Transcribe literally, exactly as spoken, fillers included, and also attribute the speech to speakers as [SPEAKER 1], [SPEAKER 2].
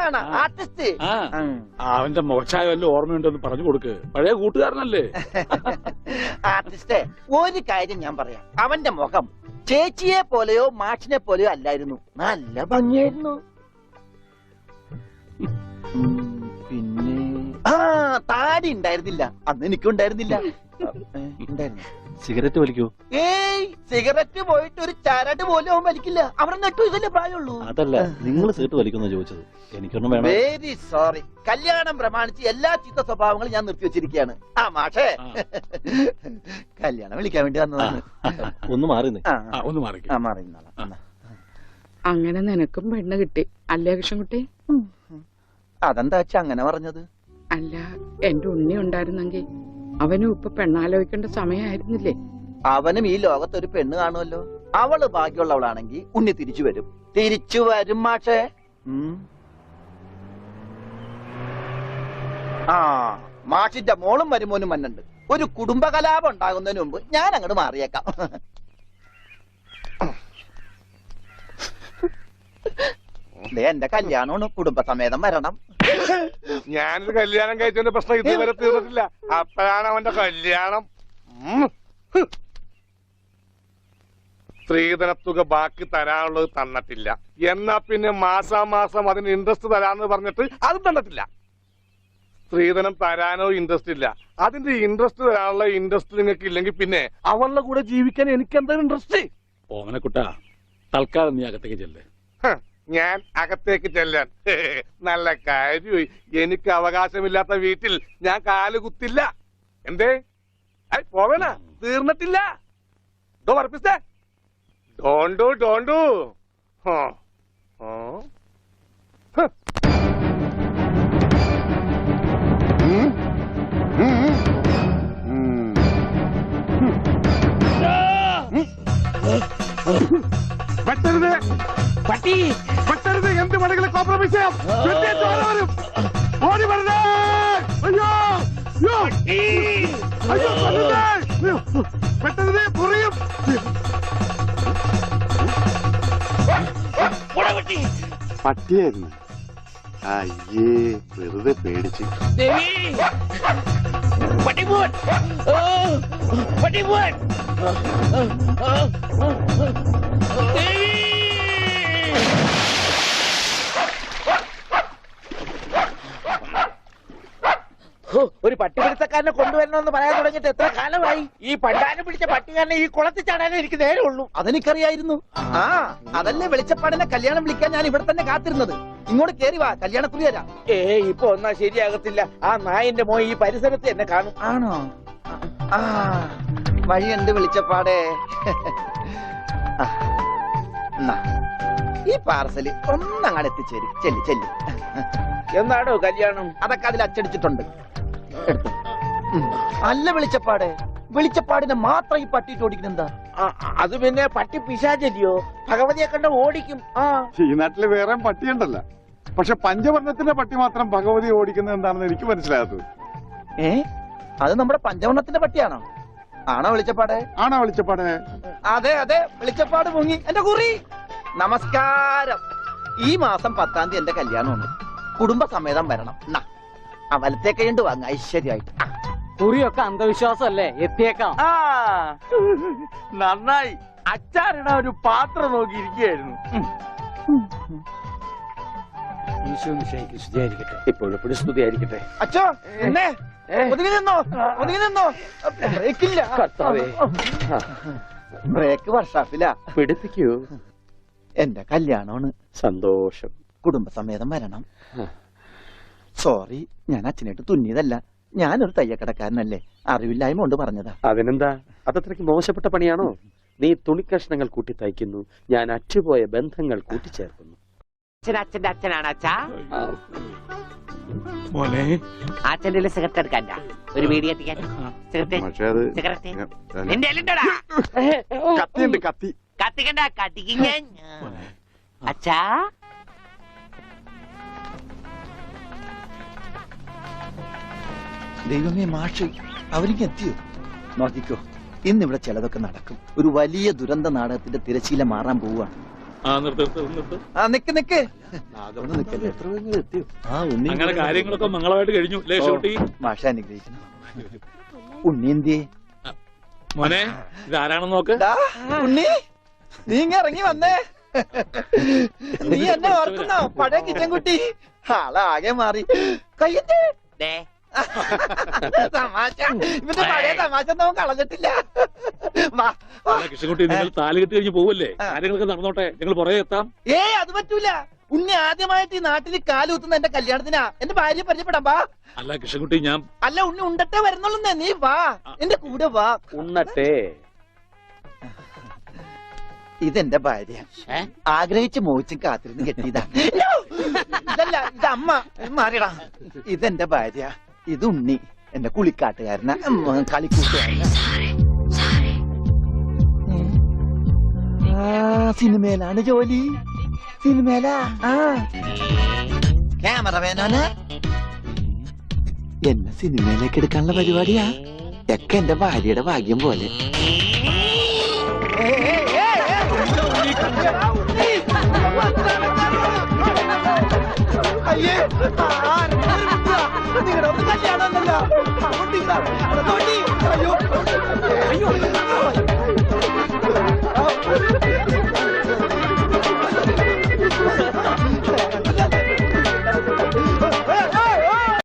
[SPEAKER 1] Artist artist.
[SPEAKER 2] അവന്റെ മോശമായ വല്ല ഓർമ്മയുണ്ടെന്ന് പറഞ്ഞു കൊടുക്ക്. പഴയ കൂട്ടുകാരനല്ലേ.
[SPEAKER 1] ആർട്ടിസ്റ്റേ, ഒരു കാര്യം ഞാൻ പറയാം. അവന്റെ മുഖം ചേച്ചിയെ പോലെയോ മാഷിനെ പോലെയോ അല്ലായിരുന്നു. നല്ല ഭംഗിയായിരുന്നു. പിന്നെ ആ താടി ഉണ്ടായിരുന്നില്ല. അന്ന് എനിക്കും ഉണ്ടായിരുന്നില്ല. ഉണ്ടായിരുന്നു.
[SPEAKER 3] സിഗരറ്റ് വലിക്കൂ?
[SPEAKER 1] ഏയ്, സിഗരറ്റ് പോയിട്ട് ഒരു ചരട് പോലും അവൻ വലിക്കില്ല. അവിടെ നെട്ടു ഇതല്ലേ പ്രായമുള്ളൂ.
[SPEAKER 3] അതല്ല, നിങ്ങൾ സിഗരറ്റ് വലിക്കുന്ന ചോദിച്ചത്. എനിക്കൊന്നും വേണം.
[SPEAKER 1] Very sorry. കല്യാണം പ്രമാണിച്ച് എല്ലാ ചീത്ത സ്വഭാവങ്ങളും ഞാൻ നിർത്തി വെച്ചിരിക്കുകയാണ്. ആ മാഷേ, കല്യാണം വിളിക്കാൻ വേണ്ടി വന്നതാണ്.
[SPEAKER 3] ഒന്ന് മാറിന്നേ.
[SPEAKER 2] ഒന്ന് മാറി
[SPEAKER 1] മാറി.
[SPEAKER 4] അങ്ങനെ നിനക്കും പെണ്ണ് കിട്ടി അല്ലേ കൃഷ്ണൻകുട്ടി?
[SPEAKER 1] അതെന്താ വെച്ചാ അങ്ങനെ പറഞ്ഞത്?
[SPEAKER 4] അല്ല, എന്റെ ഉണ്ണി ഉണ്ടായിരുന്നെങ്കിൽ അവനും ഇപ്പൊ പെണ്ണാലോചിക്കേണ്ട സമയമായിരുന്നില്ലേ?
[SPEAKER 1] അവനും ഈ ലോകത്തൊരു പെണ്ണ് കാണുമല്ലോ. അവള് ഭാഗ്യമുള്ളവളാണെങ്കിൽ ഉണ്ണി തിരിച്ചു വരും. തിരിച്ചു വരും മാഷേ. ആ മാഷിന്റെ മോളും മരുമോനും മന്നുണ്ട്. ഒരു കുടുംബകലാപം ഉണ്ടാകുന്നതിന് മുമ്പ് ഞാൻ അങ്ങോട്ട് മാറിയേക്കാം. എന്റെ കല്യാണമാണ്, കുടുംബസമേതം വരണം.
[SPEAKER 5] ഞാനൊരു കല്യാണം കഴിച്ചതിന്റെ പ്രശ്നം ഇതുവരെ തീർന്നിട്ടില്ല. അപ്പോഴാണ് അവന്റെ കല്യാണം. സ്ത്രീധനത്തുക ബാക്കി തരാനുള്ളത് തന്നിട്ടില്ല. എന്നാ പിന്നെ മാസാമാസം അതിന് ഇൻട്രസ്റ്റ് തരാന്ന് പറഞ്ഞിട്ട് അതും തന്നിട്ടില്ല. സ്ത്രീധനം തരാനോ ഇൻട്രസ്റ്റ് ഇല്ല. അതിന്റെ ഇൻട്രസ്റ്റ് തരാനുള്ള ഇൻട്രസ്റ്റ് നിങ്ങൾക്ക് ഇല്ലെങ്കിൽ പിന്നെ അവളുടെ കൂടെ ജീവിക്കാൻ എനിക്ക് എന്താ ഇൻട്രസ്റ്റ്?
[SPEAKER 2] ഓമനക്കുട്ടാ, തൽക്കാലം നീ അകത്തേക്ക് ചെല്ലേ.
[SPEAKER 5] ഞാൻ അകത്തേക്ക് ചെല്ലാൻ നല്ല കാര്യമായി. എനിക്ക് അവകാശമില്ലാത്ത വീട്ടിൽ ഞാൻ കാല് കുത്തില്ല. എന്തേ പോവേണ? തീർന്നിട്ടില്ല. പറപ്പിച്ചേ ഡോണ്ടു ഡോണ്ടു. പറ്റരുത് പട്ടി, പറ്റരുത്. എന്ത് വേണമെങ്കിലും കോംപ്രമൈസ് ചെയ്യാം. ഓടി വരുന്നേ. അയ്യോ അയ്യോ, പറ്റരുത്. പൊറിയും.
[SPEAKER 6] പട്ടിയായിരുന്നു. അയ്യേ, വെറുതെ പേടിച്ച്.
[SPEAKER 1] ഒരു പട്ടിപിടുത്തക്കാരനെ കൊണ്ടുവരണമെന്ന് പറയാൻ തുടങ്ങിയിട്ട് എത്ര കാലമായി? ഈ പണ്ടാരം പിടിച്ച പട്ടിക്കാരനെ ഈ കുളത്തിൽ ചാടാനേ എനിക്ക് നേരെ ഉള്ളൂ. അതെനിക്കറിയായിരുന്നു. ആ അതല്ലേ വെളിച്ചപ്പാടിനെ കല്യാണം വിളിക്കാൻ ഞാൻ ഇവിടെ തന്നെ കാത്തിരുന്നത്. ഇങ്ങോട്ട് കേറി വാ, കല്യാണക്കുറി തരാം. ഏ ഇപ്പൊ ഒന്നാ ശരിയാകത്തില്ല. ആ നായന്റെ മോൻ ഈ പരിസരത്ത് എന്നെ കാണും. ആണോ? ആ വഴിയുണ്ട് വെളിച്ചപ്പാടേ. ഈ പാർസല് ഒന്നങ്ങാട് എത്തിച്ചേരും. ചെല്ലി ചെല്ലി. എന്നാടോ കല്യാണം? അതൊക്കെ അതിൽ അച്ചടിച്ചിട്ടുണ്ട്. അല്ല വെളിച്ചപ്പാടെ, വെളിച്ചപ്പാടിനെ മാത്രം ഈ പട്ടിയിട്ട് ഓടിക്കുന്നെന്താ? അത് പിന്നെ പട്ടി പിശാചല്ലിയോ? ഭഗവതിയെ കണ്ട ഓടിക്കും. ആ
[SPEAKER 6] ഈ നാട്ടില് വേറെ പട്ടിയുണ്ടല്ലോ. പക്ഷെ പഞ്ചവർണ്ണത്തിന്റെ പട്ടി മാത്രം ഭഗവതി ഓടിക്കുന്നത് എന്താണെന്ന് എനിക്ക് മനസ്സിലാകാത്തത്.
[SPEAKER 1] ഏ അത് നമ്മുടെ പഞ്ചവർണ്ണത്തിന്റെ പട്ടിയാണോ? ആണോ വെളിച്ചപ്പാടെ? ആണോ വെളിച്ചപ്പാടെ? അതെ അതെ, വെളിച്ചപ്പാട് മുങ്ങി. എന്റെ കുറി നമസ്കാരം. ഈ മാസം പത്താം തീയതി എന്റെ കല്യാണമുണ്ട്. കുടുംബസമേതം വരണം. ആ വലത്തെ കൈണ്ട് വാങ്ങ ഐശ്വര്യമായിട്ട്.
[SPEAKER 7] കുറിയൊക്കെ അന്ധവിശ്വാസമല്ലേ? എത്തിയേക്കാം.
[SPEAKER 1] ആ നന്നായി. അച്ചാറിട ഒരു പാത്രം നോക്കിയിരിക്കുകയായിരുന്നു.
[SPEAKER 3] ഇപ്പോഴെപ്പോഴും സ്തുതിയായിരിക്കട്ടെ.
[SPEAKER 1] അച്ഛോ എന്നെ ഒതുങ്ങി നിന്നോ, ഒതുങ്ങി നിന്നോ. ബ്രേക്കില്ല. ബ്രേക്ക് വർഷാപ്പില്ല.
[SPEAKER 3] പിടിപ്പിക്കൂ.
[SPEAKER 1] എന്റെ കല്യാണമാണ്.
[SPEAKER 3] സന്തോഷം.
[SPEAKER 1] കുടുംബസമേതം വരണം. സോറി, ഞാൻ അച്ഛനായിട്ട് തുന്നിയതല്ല. ഞാനൊരു തയ്യക്കടക്കാരനല്ലേ, അറിവില്ലായ്മ കൊണ്ട് പറഞ്ഞതാ.
[SPEAKER 3] അതിനെന്താ? അതത്രയ്ക്ക് മോശപ്പെട്ട പണിയാണോ? നീ തുണിക്കഷ്ണങ്ങൾ കൂട്ടി തയ്ക്കുന്നു, ഞാൻ അറ്റുപോയ ബന്ധങ്ങൾ കൂട്ടിച്ചേർക്കുന്നു.
[SPEAKER 7] അച്ഛന്റെ അച്ഛനാണ് അച്ഛാ.
[SPEAKER 2] മോനെ,
[SPEAKER 7] അച്ഛൻ്റെ സിഗരറ്റ് എടുക്കാൻ ഒരു വീഡിയോ എത്തിക്കാൻ. സിഗരറ്റ് നിന്റെ എല്ലുണ്ടോടാ?
[SPEAKER 6] കത്തിയുണ്ട്. കത്തി
[SPEAKER 7] കത്തിക്കണ്ട, കത്തിക്ക. അച്ഛാ
[SPEAKER 1] ദൈവമേ, മാഷ് അവരിക്ക് എത്തിയോ? നോക്കിക്കോ, ഇന്നിവിടെ ചിലതൊക്കെ നടക്കും. ഒരു വലിയ ദുരന്ത നാടകത്തിന്റെ തിരശീല മാറാൻ പോവുകയാണ്.
[SPEAKER 2] ആ നിർത്ത് നിർത്ത് നിർത്ത്
[SPEAKER 1] ആ നിക്ക് നിക്ക് അതൊന്നും നിക്കല്ലേ ആ ഉണ്ണി
[SPEAKER 2] അങ്ങനെ കാര്യങ്ങളൊക്കെ മംഗളമായിട്ട് കഴിഞ്ഞു അല്ലേ ഷൂട്ടി?
[SPEAKER 1] മാഷ അനുഗ്രഹിക്കണം. ഉണ്ണി എന്തിയെ?
[SPEAKER 2] മോനെ ഇതാരാണെന്ന് നോക്ക്.
[SPEAKER 1] ദാ, ഉണ്ണി നീ ഇങ്ങ ഇറങ്ങി വന്നേ. നീ എന്നെ ഓർക്കുന്നോ? പഴയ കിച്ചൻകുട്ടി ആളാകെ മാറി. കയ്യത്തെ
[SPEAKER 7] ദേ,
[SPEAKER 1] തമാശ, ഇവന്റെ പഴയ തമാശ ഒന്നും കളഞ്ഞിട്ടില്ല. വാ, വാ.
[SPEAKER 2] അല്ല, കൃഷ്ണൻകുട്ടി നിങ്ങൾ താലി കെട്ടി കഴിഞ്ഞ് പോവല്ലേ? കാര്യങ്ങളൊക്കെ നടന്നോട്ടെ, ഞങ്ങൾ പുറകെ എത്താം.
[SPEAKER 1] ഏയ് അത് പറ്റൂല. ഉണ്ണി ആദ്യമായിട്ട് ഈ നാട്ടിൽ കാലുകുത്തുന്ന എന്റെ കല്യാണത്തിനാ. എന്റെ ഭാര്യ പരിചയപ്പെടാം. വാ.
[SPEAKER 2] അല്ല കൃഷ്ണൻകുട്ടി, ഞാൻ
[SPEAKER 1] അല്ല ഉണ്ണി ഉണ്ടട്ടെ വരുന്നുള്ളൂ. നീ വാ, എന്റെ കൂടെ വാ.
[SPEAKER 3] ഉണ്ണട്ടെ.
[SPEAKER 1] ഇതെന്റെ ഭാര്യ.
[SPEAKER 7] ഏ?
[SPEAKER 1] ആഗ്രഹിച്ച് മോഹിച്ചും കാത്തിരുന്ന് കെട്ടിയതാ. No! ഇതല്ല, ഇത് അമ്മ. മാറിയടാ. ഇതെന്റെ ഭാര്യ. ഇത് ഉണ്ണി, എന്റെ കുളിക്കാട്ടുകാരന, കളിക്കൂട്ടുകാരന. ആ സിനിമയിലാണ് ജോലി. സിനിമയിലാ. ആ ക്യാമറമാനാണ്. എന്നെ സിനിമയിലേക്ക് എടുക്കാനുള്ള പരിപാടിയാ. ഒക്കെ എന്റെ ഭാര്യയുടെ ഭാഗ്യം പോലെ. അയ്യേ, നിങ്ങളുടെ ഒന്ന് കല്യാണമല്ലോ. അയ്യോ, അയ്യോ.